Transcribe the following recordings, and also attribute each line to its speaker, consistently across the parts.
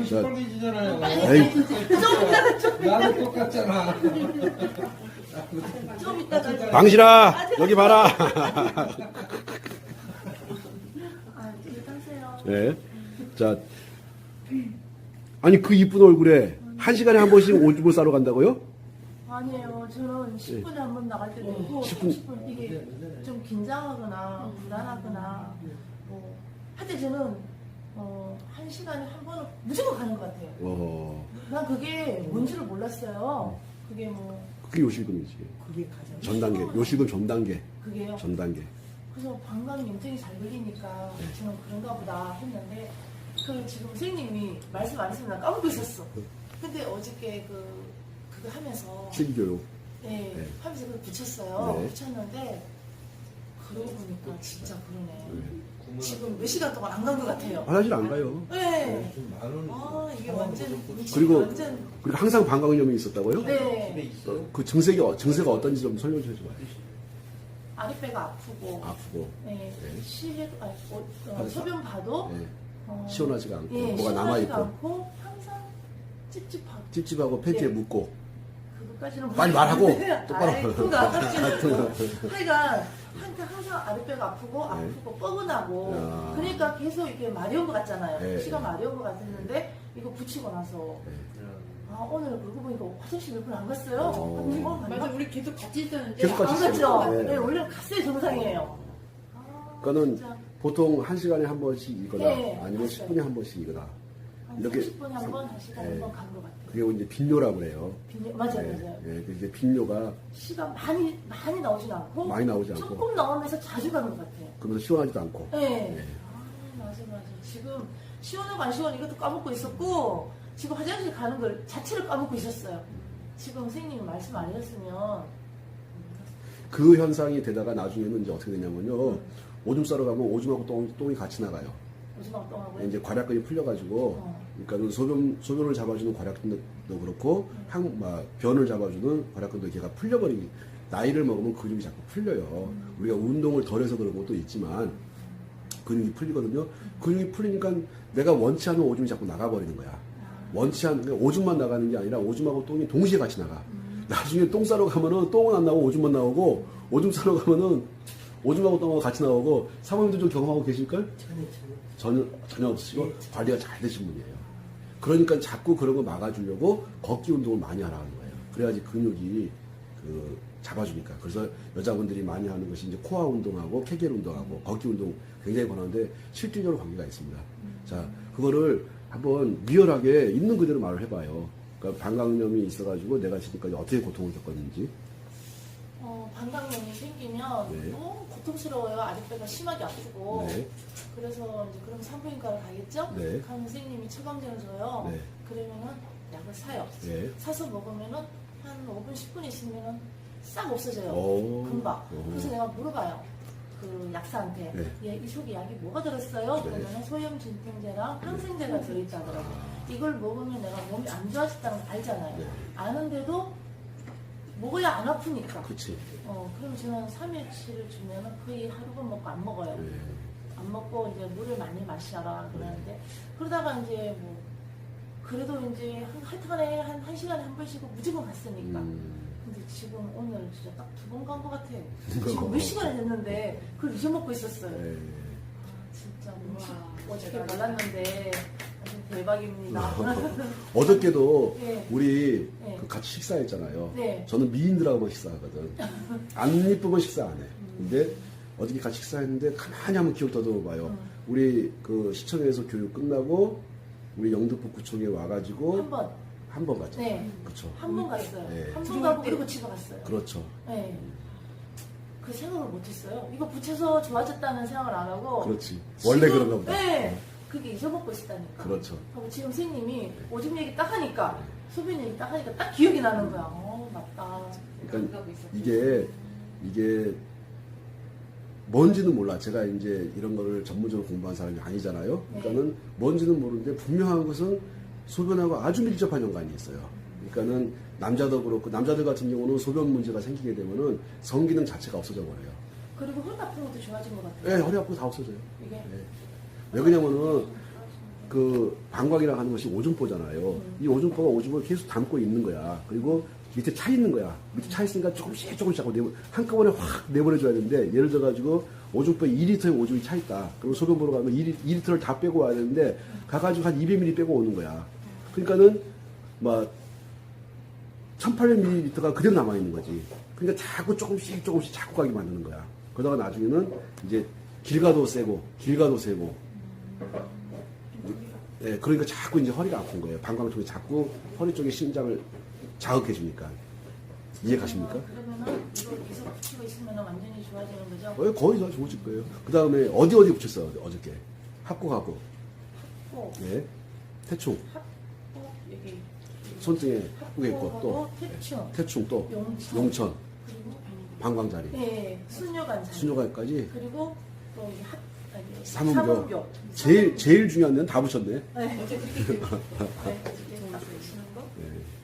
Speaker 1: 시뻘개지잖아요.
Speaker 2: 에이,
Speaker 1: 나도 똑같잖아.
Speaker 3: 좀 이따가.
Speaker 2: 방실아, 여기 봐라.
Speaker 3: 아, 되게 따세요.
Speaker 2: 네. 자, 아니 그 이쁜 얼굴에 한 시간에 한 번씩 오줌을 싸러 간다고요?
Speaker 3: 아니에요. 저는 10분에 한 번 나갈 때도 있고, 30분 이게 좀 긴장하거나 불안하거나 뭐 하여튼 저는 1시간에 한 번은 무조건 가는 것 같아요. 난 그게 뭔지를 몰랐어요. 그게 뭐
Speaker 2: 그게 요실금이지.
Speaker 3: 그게 가장
Speaker 2: 전 단계. 요실금 전 단계.
Speaker 3: 그게요.
Speaker 2: 전 단계.
Speaker 3: 그래서 방광 염증이 잘 걸리니까 저는 그런가 보다 했는데 그 지금 선생님이 말씀 안 했으면 나 까먹고 있었어. 근데 어저께 그거 하면서
Speaker 2: 실교육.
Speaker 3: 네,
Speaker 2: 네.
Speaker 3: 하면서 그걸 붙였어요.
Speaker 2: 네.
Speaker 3: 붙였는데 그러고 보니까 진짜 그러네. 지금 몇 시간 동안 안 간 것 같아요.
Speaker 2: 화장실 안 가요.
Speaker 3: 네.
Speaker 1: 좀 많은.
Speaker 3: 아 이게 완전
Speaker 2: 그리고
Speaker 3: 완전
Speaker 2: 그리고 항상 방광염이 있었다고요?
Speaker 3: 네.
Speaker 2: 그 증세가 어떤지 좀 설명 좀 해줘봐요.
Speaker 3: 아랫배가 아프고
Speaker 2: 아프고.
Speaker 3: 네.
Speaker 2: 네.
Speaker 3: 시해 소변 봐도
Speaker 2: 네.
Speaker 3: 어,
Speaker 2: 시원하지가 않고
Speaker 3: 예,
Speaker 2: 뭐가 남아
Speaker 3: 시원하지가
Speaker 2: 있고
Speaker 3: 않고 항상 찝찝하고
Speaker 2: 찝찝하고 팬티에
Speaker 3: 네.
Speaker 2: 묻고.
Speaker 3: 그것까지는
Speaker 2: 빨리 말하고 똑바로.
Speaker 3: 하여간 항상 아랫배가 아프고 뻐근하고
Speaker 2: 야.
Speaker 3: 그러니까 계속 이게 마려운 것 같잖아요.
Speaker 2: 네.
Speaker 3: 피가 마려운 것 같았는데 이거 붙이고 나서 아 오늘 그러고 보니까 화장실 몇 번 안 갔어요.
Speaker 4: 맞아, 우리 계속 같이 있었는데.
Speaker 2: 계속 같이
Speaker 3: 안
Speaker 2: 있어요.
Speaker 3: 갔죠.
Speaker 2: 네.
Speaker 3: 네, 원래 갔어요 정상이에요.
Speaker 2: 그거는
Speaker 3: 진짜.
Speaker 2: 보통 1시간에 한 번씩이거나
Speaker 3: 네,
Speaker 2: 아니면
Speaker 3: 맞아요.
Speaker 2: 10분에 한 번씩이거나
Speaker 3: 한
Speaker 2: 이렇게
Speaker 3: 30분에 한 번, 1시간에
Speaker 2: 네.
Speaker 3: 한 번 간 것 같아요.
Speaker 2: 그게 이제 빈뇨라고 그래요.
Speaker 3: 맞아요,
Speaker 2: 네,
Speaker 3: 맞아요.
Speaker 2: 네, 이제 빈뇨가
Speaker 3: 시간 많이 나오진 않고
Speaker 2: 많이 나오지 않고
Speaker 3: 조금 나오면서 자주 가는 것 같아요.
Speaker 2: 그러면서 시원하지도 않고.
Speaker 3: 네.
Speaker 2: 네.
Speaker 3: 아, 맞아. 지금 시원하고 안 시원 이것도 까먹고 있었고 지금 화장실 가는 걸 자체를 까먹고 있었어요. 지금 선생님이 말씀 안 해줬으면
Speaker 2: 그 현상이 되다가 나중에는 이제 어떻게 되냐면요. 오줌 싸러 가면 오줌하고 똥이 같이 나가요.
Speaker 3: 오지막 똥하고
Speaker 2: 이제 괄약근이 풀려가지고, 그러니까 소변을 잡아주는 괄약근도 그렇고, 변을 잡아주는 괄약근도 걔가 풀려버리기. 나이를 먹으면 근육이 자꾸 풀려요. 우리가 운동을 덜 해서 그런 것도 있지만, 근육이 풀리거든요. 근육이 풀리니까 내가 원치 않는 오줌이 자꾸 나가버리는 거야. 원치 않는, 그러니까 오줌만 나가는 게 아니라 오줌하고 똥이 동시에 같이 나가. 나중에 똥 싸러 가면은 똥은 안 나오고 오줌만 나오고, 오줌 싸러 가면은 오줌하고 똥하고 같이 나오고, 사모님도 좀 경험하고 계실걸? 전혀 없으시고 관리가 잘 되신 분이에요. 그러니까 자꾸 그런 거 막아주려고 걷기 운동을 많이 하라는 거예요. 그래야지 근육이 잡아주니까. 그래서 여자분들이 많이 하는 것이 이제 코어 운동하고 케겔 운동하고 걷기 운동 굉장히 권하는데 실질적으로 관계가 있습니다. 자, 그거를 한번 리얼하게 있는 그대로 말을 해봐요. 그러니까 방광염이 있어가지고 내가 지금까지 어떻게 고통을 겪었는지.
Speaker 3: 방광염이 생기면
Speaker 2: 네.
Speaker 3: 너무 고통스러워요. 아랫배가 심하게 아프고.
Speaker 2: 네.
Speaker 3: 그래서 이제 그럼 산부인과를 가겠죠?
Speaker 2: 네.
Speaker 3: 가면 선생님이 처방전을 줘요.
Speaker 2: 네.
Speaker 3: 그러면은 약을 사요.
Speaker 2: 네.
Speaker 3: 사서 먹으면은 한 5분, 10분 있으면은 싹 없어져요.
Speaker 2: 오.
Speaker 3: 금방.
Speaker 2: 오.
Speaker 3: 그래서 내가 물어봐요. 그 약사한테.
Speaker 2: 네.
Speaker 3: 얘 이 속에 약이 뭐가 들었어요?
Speaker 2: 네.
Speaker 3: 그러면은 소염 진통제랑 항생제가 들어있다더라고요. 이걸 먹으면 내가 몸이 안 좋아졌다는 걸 알잖아요.
Speaker 2: 네.
Speaker 3: 아는데도 먹어야 안 아프니까.
Speaker 2: 그치.
Speaker 3: 그럼 저는 3일치를 주면은 거의 하루건 먹고 안 먹어요.
Speaker 2: 네.
Speaker 3: 안 먹고 이제 물을 많이 마시라 그러는데 그러다가 이제 뭐 그래도 이제 하여튼간에 한 1시간에 한 번씩은 무조건 갔으니까. 근데 지금 오늘 진짜 딱 2번 간 것 같아요. 지금 몇 시간이 됐는데 그걸 잊어먹고 있었어요.
Speaker 2: 네.
Speaker 3: 아, 진짜 어저께 몰랐는데 완전 대박입니다.
Speaker 2: 어저께도
Speaker 3: 네.
Speaker 2: 우리
Speaker 3: 네.
Speaker 2: 그 같이 식사했잖아요.
Speaker 3: 네.
Speaker 2: 저는 미인들하고만 식사하거든. 안 이쁘면 식사 안 해. 근데 어저께 같이 식사했는데 가만히 한번 기억 더듬어봐요. 우리 그 시청에서 교육 끝나고 우리 영등포구청에 와가지고 한 번 갔죠.
Speaker 3: 네.
Speaker 2: 그렇죠.
Speaker 3: 한 번 갔어요.
Speaker 2: 네.
Speaker 3: 한 번 가고 그리고 집에 갔어요.
Speaker 2: 그렇죠.
Speaker 3: 네. 그 생각을 못했어요. 이거 붙여서 좋아졌다는 생각을 안 하고.
Speaker 2: 그렇지. 원래
Speaker 3: 지금,
Speaker 2: 그런가 보다.
Speaker 3: 네. 그게 잊어먹고 있었다니까.
Speaker 2: 그렇죠.
Speaker 3: 하고 지금 선생님이 오줌 얘기 딱 하니까, 소변 얘기 딱 하니까 딱 기억이 나는 거야. 맞다.
Speaker 2: 그러니까 이게 뭔지는 몰라. 제가 이제 이런 거를 전문적으로 공부한 사람이 아니잖아요. 그러니까는 뭔지는 모르는데 분명한 것은 소변하고 아주 밀접한 연관이 있어요. 그러니까는 남자도 그렇고 남자들 같은 경우는 소변 문제가 생기게 되면은 성기능 자체가 없어져 버려요.
Speaker 3: 그리고 허리 아픈 것도 좋아진 것 같아요.
Speaker 2: 네, 허리 아프고 다 없어져요.
Speaker 3: 이게.
Speaker 2: 네. 왜 그러냐면은 그 방광이라고 하는 것이 오줌보잖아요. 이 오줌보가 오줌을 계속 담고 있는 거야. 그리고 밑에 차 있는 거야. 밑에 차 있으니까 조금씩 하고 한꺼번에 확 내보내줘야 되는데, 예를 들어가지고 오줌보에 2리터의 오줌이 차 있다. 그럼 소변 보러 가면 2리터를 다 빼고 와야 되는데, 가가지고 한 200ml 빼고 오는 거야. 그러니까는 막 1800ml가 그대로 남아있는 거지. 그러니까 자꾸 조금씩 자꾸 가게 만드는 거야. 그러다가 나중에는 이제 길가도 세고 예, 그러니까 자꾸 이제 허리가 아픈 거예요. 방광 쪽이 자꾸 허리 쪽에 심장을 자극해 주니까. 이해 가십니까?
Speaker 3: 그러면은 이거 계속 붙이고 있으면 완전히 좋아지는 거죠?
Speaker 2: 거의 다 좋으실 거예요. 그 다음에 어디 붙였어, 어저께? 합곡하고.
Speaker 3: 꼭
Speaker 2: 예. 태충.
Speaker 3: 합곡 여기
Speaker 2: 손등에 합곡에 있고, 또.
Speaker 3: 태충,
Speaker 2: 태충 또.
Speaker 3: 용천.
Speaker 2: 용천.
Speaker 3: 그리고
Speaker 2: 방광자리.
Speaker 3: 네, 순뇨관자.
Speaker 2: 순뇨관까지.
Speaker 3: 그리고 또 여기
Speaker 2: 삼음교. 제일 중요한 데는 다 붙였네.
Speaker 3: 네. 어제 그렇게 네, 딱 붙이는 거.
Speaker 2: 예.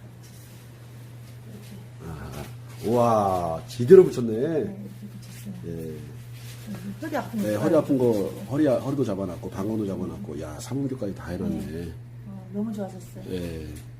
Speaker 3: 이렇게.
Speaker 2: 우와, 제대로 붙였네.
Speaker 3: 네, 이렇게 붙였어요.
Speaker 2: 예.
Speaker 3: 허리 아픈 거.
Speaker 2: 네, 허리 아픈 거, 허리도 잡아놨고, 방광도 잡아놨고, 야, 삼음교까지 다 해놨네.
Speaker 3: 너무 좋아졌어요.
Speaker 2: 예.